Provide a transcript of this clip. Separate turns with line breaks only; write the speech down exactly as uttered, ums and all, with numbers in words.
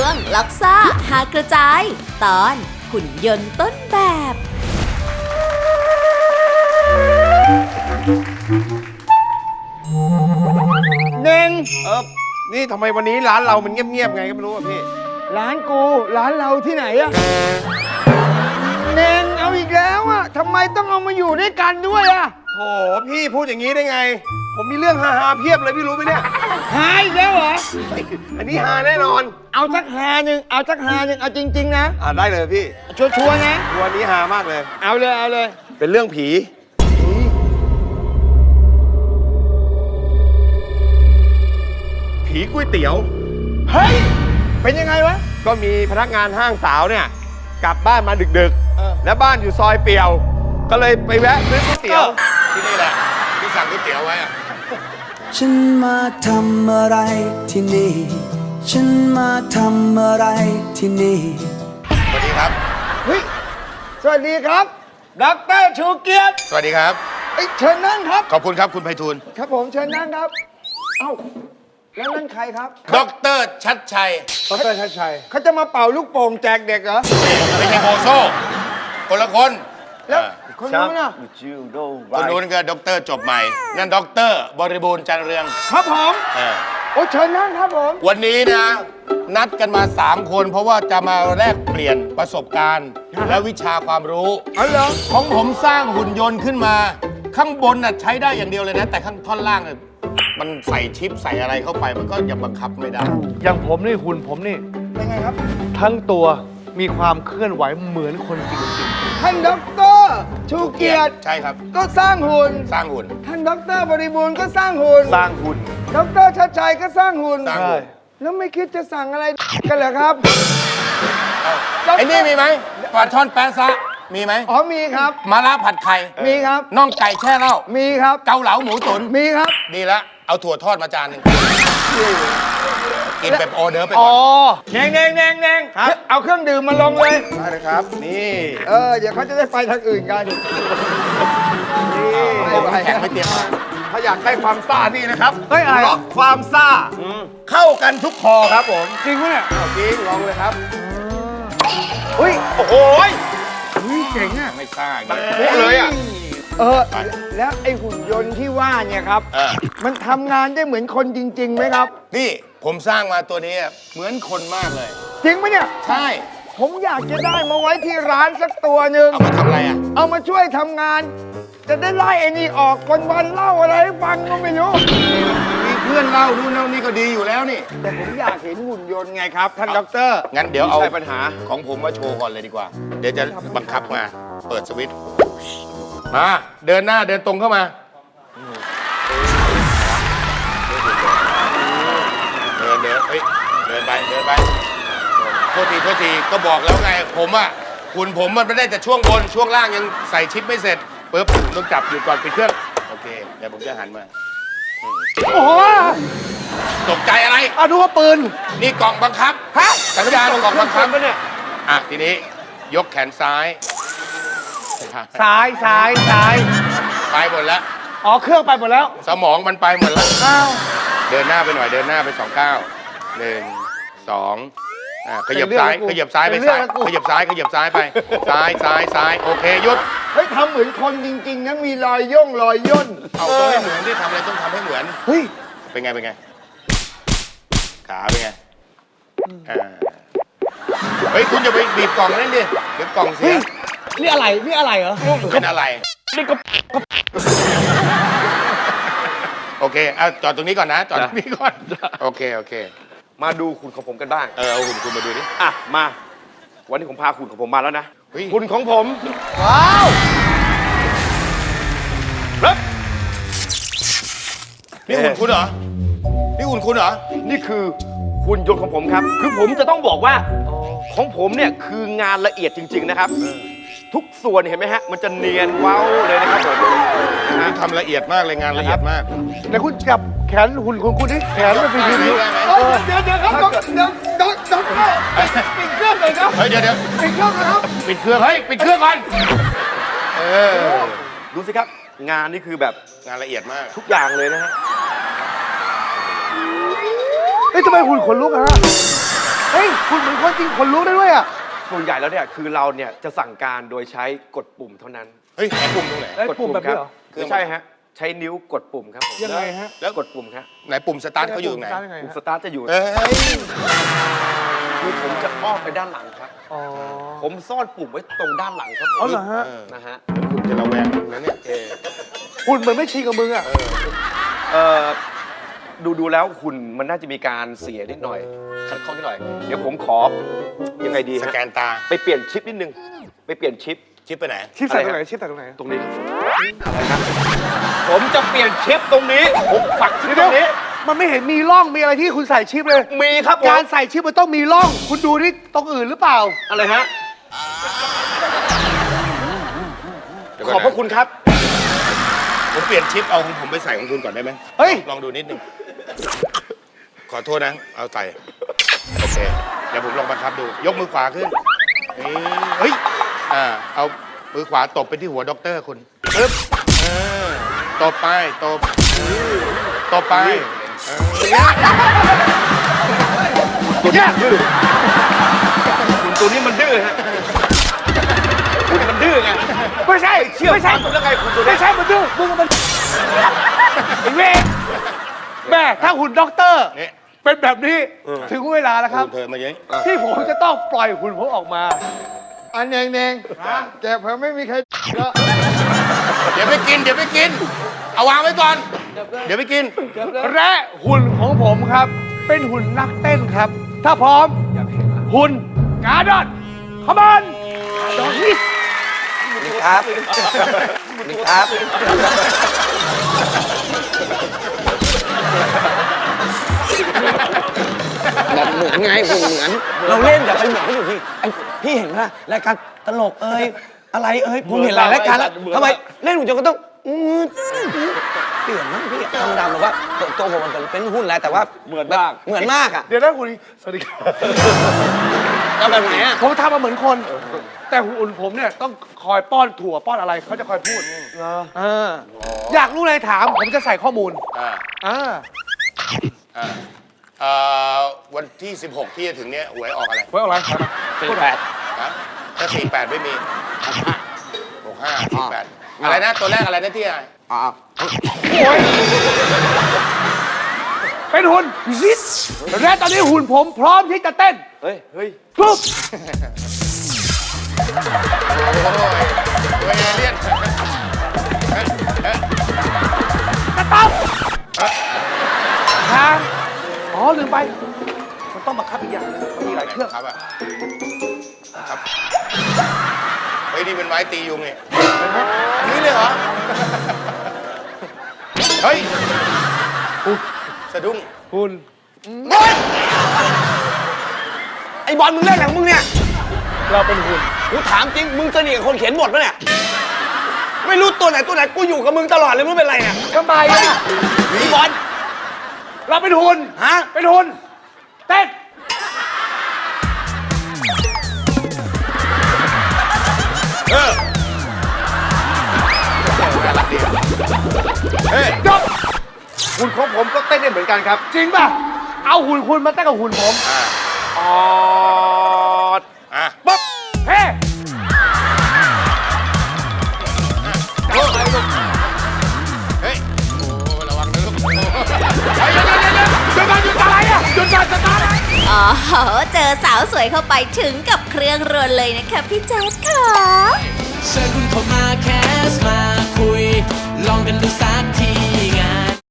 วงล็อกซ่าหากระจายตอนหุ่นยนต์ต้นแบบ
เน่ง
เออนี่ทำไมวันนี้ร้านเรามันเงียบๆไงก็ไม่รู้อะพี่
ร้านกูร้านเราที่ไหนอะเน่งเอาอีกแล้วอะทำไมต้องเอามาอยู่ด้วยกันด้วยอะ
โหพี่พูดอย่างนี้ได้ไง ผมมีเรื่องฮาๆเพียบเลยพี่รู้ไหมเนี่ย
หายอีกแล้วเหรอ
อันนี้ฮาแน่นอน
เอาสักหาหนึ่งเอาสักหาหนึ่งเอาจริงๆนะ
อ่าได้เลยพี่
ชัวร์ๆนะ
วันนี้ฮามากเลย
เอาเลยเอาเลย
เป็นเรื่องผี ผีก๋วยเตี๋ยว
เฮ้ยเป็นยังไงวะ
ก็มีพนักงานห้างสาวเนี่ยกลับบ้านมาดึก
เออ
ๆ แล้วบ้านอยู่ซอยเปี่ยว ก็เลยไปแวะซื้อก๋วยเตี๋ยว
ที่นี่แหละที่สั่งก๋วยเตี๋ยวไว้อะ
ฉันมาทำอะไรที่นี่ ฉันมาทำอะไรที่นี่
สวัสดีครับ
เฮ้ยสวัสดีครับดอกเตอรชูเกียรติ
สวัสดีครับ
เอ้ยเชิญนั่งครับ
ขอบคุณครับคุณไพฑูรย์
ครับผมเชิญนั่งครับ เอ้าแล้วนั่นใครครับ
ดอกเตอรชัดชัย
ดรชัดชัย
เขาจะมาเป่าลูกโป่งแจกเด็กเหรอ
ไม่ใช่โบโซ่คนละคน
แล้ว
อ่า
คนนู้นน่ะ
คนนู้นก็ด็อกเตอร์จบใหม่ นั่นด็อกเตอร์บริบูรณ์จันทร์เรือง
ครับผม
เออ
โอ้เชิญนั่งครับผม
วันนี้นะ นัดกันมา สาม คน เพราะว่าจะมาแลกเปลี่ยนประสบการณ์ และวิชาความรู้
เอาเหรอ
ของผมสร้างหุ่นยนต์ขึ้นมา ข้างบนน่ะใช้ได้อย่างเดียวเลยนะ แต่ข้างท่อนล่างน่ะมันใส่ชิปใส่อะไรเข้าไป มันก็ยังบังคับไม่ได้
อย่างผมนี่หุ่นผมนี่
เป็นไงครับ
ทั้งตัวมีความเคลื่อนไหวเหมือนคนจริง
ท่านด็อกเตอร์ชูเกียรติ
ใช่ครับ
ก็สร้างหุ่น
สร้างหุ่น
ท่านด็อกเตอร์บริบูรณ์ก็สร้างหุ่น
ๆ สร้างหุ่น
ด็อกเตอร์ชัดชัยก็สร้างหุ่น
สร้าง
ใช่
แล้วไม่คิดจะสั่งอะไรกันเหรอครับ
ไอ้นี่มีไหมปลาช่อนแปะซะมีไหม
อ๋อมีครับ
มะระผัดไข่
มีครับ
น่องไก่แช่เหล้า
มีครับ
เกาเหลาหมูตุ๋น
มีครับ
ดีละเอาถั่วทอดมาจานหนึ่งกินแบบออเดอร์ไปก่
อ๋
อ
อน แนงแนงแนงแนงเอาเครื่องดื่มมาลงเลย
ได้เลยครับ นี่
เออ เดี๋ยวเขาจะได้ไปทางอื่นกัน
นี่
ผมแข็งไม่เตรียมมา
ถ้าอยากได้ความซ่านี่นะครับ
เฮ้ยอะไร
ล็อกความซ่า เข้ากันทุกคอครับผม
จริงปะเนี่ย
เอาจริงลองเลยครับ
อุ้ย
โอ้โหย
อุ้ยเจ๋งอ่ะ
ไม่ซ่าอย่าง
มัน
นี้
คุเลยอ่ะ
เออ แล้วไอ้หุ่นยนต์ที่ว่าเนี่ยครับ
เออ
มันทำงานได้เหมือนคนจริงๆไหมครับ
นี่ผมสร้างมาตัวนี้เหมือนคนมากเลย
จริงไหมเนี่ย
ใช่
ผมอยากจะได้มาไว้ที่ร้านสักตัวหนึ่ง
เอามาทำอะไรอ่ะ
เอามาช่วยทำงาน จะได้ไล่ไอ้นี่ออกวันวันๆเล่าอะไรให้ฟังก็ไม่รู้
มีเพื่อนเล่านู่นเล่านี่ก็ดีอยู่แล้วนี่
แต่ผมอยากเห็นหุ่นยนต์ไงครับ ท่านด็อกเตอร์
งั้นเดี๋ยวเอา
ไม่ใช่ปัญหา
ของผมมาโชว์ก่อนเลยดีกว่า เดี๋ยวจะบังคับมา เปิดสวิตช์มาเดินหน้าเดินตรงเข้ามา เดินเดินเฮ้ยเดินไปเดินไปโทษทีโทษทีก็บอกแล้วไง ผมอ่ะหุ่นผมมันไม่ได้แต่ช่วงบนช่วงล่างยังใส่ชิปไม่เสร็จปุ๊บต้องจับอยู่ก่อนปิดเครื่องโอเคเดี๋ยวผมจะหันมา
โอ้โห
ตกใจอะไร
เอาดูว่าปืน
นี่กล่องบังคับ
ฮะ
สัญญาณกล่องบังคับ
ปะเนี่ย
อ่ะทีนี้ยกแขนซ้าย
ซ้ายซ้ายซ้าย
ไปหมดแล้ว
อ๋อ เครื่องไปหมดแล้ว
สมองมันไปหมดแล้ว
อ้าว
เดินหน้าไปหน่อยเดินหน้าไปสองก้าวหนึ่งสองอ่าขยับซ้ายขยับซ้ายไปซ้ายขยับซ้ายขยับซ้ายไป ซ้ายซ้ายซ้ายโอเคหยุด
เฮ้ยทำเหมือนคนจริงๆนะมีรอยย่งรอยย่น
เอาต้องให้เหมือนที่ทำอะไรต้องทำให้เหมือน
เฮ้ย
เป็นไงเป็นไงขาเป็นไงอ่าเฮ้ยคุณอย่าไปบีบกล่องนั่นดิเดี๋ยวกล่องเสีย
นี่อะไร นี่อะไรเหรอ
เป็นอะไรโอเคเอาจอดตรงนี้ก่อนนะจอดตรงนี้ก่อนโอเคโอเค
มาดูหุ่นของผมกันบ้าง
เออเอาหุ่นคุณมาดูดิ
อ่ะ มา วันนี้ผมพาหุ่นของผมมาแล้วนะ
เฮ้ย
หุ่นของผม
ว้าว
รับ
นี่หุ่นคุณเหรอ นี่หุ่นคุณเหรอ
นี่คือหุ่นยนต์ของผมครับ คือผมจะต้องบอกว่าของผมเนี่ยคืองานละเอียดจริง ๆนะครับ ทุกส่วนเห็นไหมฮะ มันจะเนียนเว้าเลยนะครับผม
คุณทำละเอียดมากเลยงานละเอียดมาก
แล้วคุณจับแขนหุ่นของคุณที่แขนมันเป็น
ได้
ยืน
ไหม
อยู่
ได้ไหม
เฮ้ยเดี๋ยวเดี๋ยวครับด็อกเดี๋ยวด็อกด็อกเตอร์ปิดเครื่องเลยครับ
เฮ้ยเดี๋ยวเดี๋ยว
ปิดเครื่องนะครับ
ปิดเครื่องเฮ้ยปิดเครื่องก่อนเออ
ดูสิครับ งานนี่คือแบบ
งานละเอียดมาก
ทุกอย่างเลยนะฮะ
เฮ้ยทำไมหุ่นขนลุกอะฮะเฮ้ยคุณเหมือนคนจริงคนรู้ได้ด้วยอ่ะ
ส่วนใหญ่แล้วเนี่ยคือเราเนี่ยจะสั่งการโดยใช้กดปุ่มเท่านั้น
เฮ้ยไหนปุ่มตรงไหน
เอ้ย
กด
ปุ่มแบบ
ครั
นี้เหรอ
ไม่ใช่ฮะใช้นิ้วกดปุ่มครับผม
ยังไงฮะ
แล้ว
กดปุ่มครับ
ไหนปุ่มสตาร์ทเขาอยู่ตรงไหน
ยังไง
ปุ่ม
ฮะ
สตาร์ทจะอยู่
เอ้ย
คือผมจะอ้อมไปด้านหลังครับ
อ๋อ
ผมซ่อนปุ่มไว้ตรงด้านหลังครับผม
อ๋อเหรอฮะ
เออ
นะฮะ
คุณจะระแวงมึงนะเนี่ย
เออ
คุณเหมือนไม่ชินกับมึงอ่ะ
เออดูดูแล้วหุ่นมันน่าจะมีการเสียนิดหน่อยขัดข้องนิดหน่อย เดี๋ยวผมขอยังไงดี
ส
ฮะ
แกนตา
ไปเปลี่ยนชิปนิดนึงไปเปลี่ยนชิป
ชิปไปไหน
ชิปใส่ตรง
อะไร
ไหน
ฮะ
ชิปใส่ตรงไหน
ตรงนี้ครับผมอะไรครับผมจะเปลี่ยนชิปตรงนี้ผมฝักชิปต
เดี๋
ร
ยว
งนี้
มันไม่เห็นมีร่องมีอะไรที่คุณใส่ชิปเลย
มีครับผม
การใส่ชิปมันต้องมีร่อง คุณดูที่ตรงอื่นหรือเปล่า
อะไรฮะ
เดี๋ยว
ข
ก่
อน บ
นะ
พระคุณครับ
ผมเปลี่ยนชิปเอาของผมไปใส่ของคุณก่อนได้ไหม
เฮ้ย
ลองดูนิดนึง ขอโทษนะ เอาใส่ โอเค เดี๋ยวผมลองบังคับดู ยกมือขวาขึ้นเอ้ยเฮ้ย อ่า เอามือขวาตบไปที่หัวด็อกเตอร์คุณปึ๊บเออตบไป ตบตบไปเออ
ตัวนี้ดื้อคุณตัวนี้มันดื้อฮะคุณมันดื้อไง
ไม่ใช่
เชื่อ
ไม่ใช่
ฟังแล้วไงคุณตัวนี้
ไม่ใช่มันดื้อมึงมันไอ้เวรแม่ถ้าหุ่นด็อกเตอร์
นี่
เป็นแบบนี้ถึงเวลาแล้วครับ
ดูเธอมาเยอะ
ที่ผมจะต้องปล่อยหุ่นผมออกมา
อันเน่งเน่งแกเพิ่งไม่มีใครก็
เดี๋ยวไปกิน เดี๋ยวไปกิน เอาวางไว้ก่อน เดี๋ยวไปกิน
และหุ่นของผมครับ เป็นหุ่นนักเต้นครับ ถ้าพร้อม หุ่นการ์ดอนขบอนดอกฮิต
นี่ครับนี่ครับแบบเหมือนไงหุ่นเหมือน เราเล่นอย่าไปเหมือนเขาอยู่พี่ไอพี่เห็นป่ะรายการตลกเอ้ยอะไรเอ้ยผมเห็นหลายรายการแล้วทำไมเล่นหุ่นจนก็ต้องอืดอืดเปลี่ยนมั้งพี่ธรรมดาแบบว่าตัวตัวผมมันเป็นหุ้นแล้วแต่ว่าเหมือนมากเหมือนมากอ่ะ
เดี๋ยวนะหุ่นสวัสดีครับ
แล้วแบบไหนอ่ะ
ผมทำมาเหมือนคน แต่หุ่นผมเนี่ยต้องคอยป้อนถั่วป้อนอะไรเขาจะคอยพูดเอออยากรู้อะไรถามผมจะใส่ข้อมูล
อ่า
อ่า
อ่าเอ่อวันที่ สิบหก ที่จะถึงเนี้ยหวยออกอะไร
ไว้อะไร
สี่แปด
ฮะถ้า สี่แปด ไม่มี หกห้า สี่แปด อะไรนะ ตัวแรกอะไรนะที่อะไร
อ๋อ
โอ้ยเป็นหุ่นฮิตและตอนนี้หุ่นผมพร้อมที่จะเต้น
เฮ้ยเฮ้ย
ปุ๊บ
โอ้ยตัวเอเลี่ยน
สต๊อปทางอ๋อลืมไป มันต้องบังคับอีกอย่างหนึงมันมีหลายเครื่อง
ครับอ่ะครับเฮ้ยนี่เป็นไม้ตียุงนี่อันนี้เลยเหรอ เฮ้ยสะดุ้ง
หุ่น
ไอบอลมึงเล่นอะไรของมึงเนี่ย
เราเป็นหุ่น
กูถามจริง มึงสนิทกับคนเขียนบทปะเนี่ย ไม่รู้ตัวไหนตัวไหน กูอยู่กับมึงตลอดเลยมึงเป็นไรเนี่ย
ทำไมอ่ะ
พี่บอล
เราเป็นหุ่น
ฮะ
เป็นหุ่น เต้น
เออเฮ้ย
จบ
หุ่นของผมก็เต้นได้เหมือนกันครับ
จริงป่ะ เอาหุ่นคุณมาเต้นกับหุ่นผม
อ่า
ออด
อ่ะ
ปุ๊บ เฮ้
เฮ้ย โอ้ระวังนะลูก
เดี๋ยวเดี๋ยวเดี๋ยวเดี๋ยวหยุดก่อนหยุดอะไรอ่ะหยุดก่อนสตาร์ท
อ๋อ เจอสาวสวยเข้าไปถึงกับเครื่องรวนเลยนะคะพี่แจ๊ดค่ะ
เชิญคุณเข้ามาแค่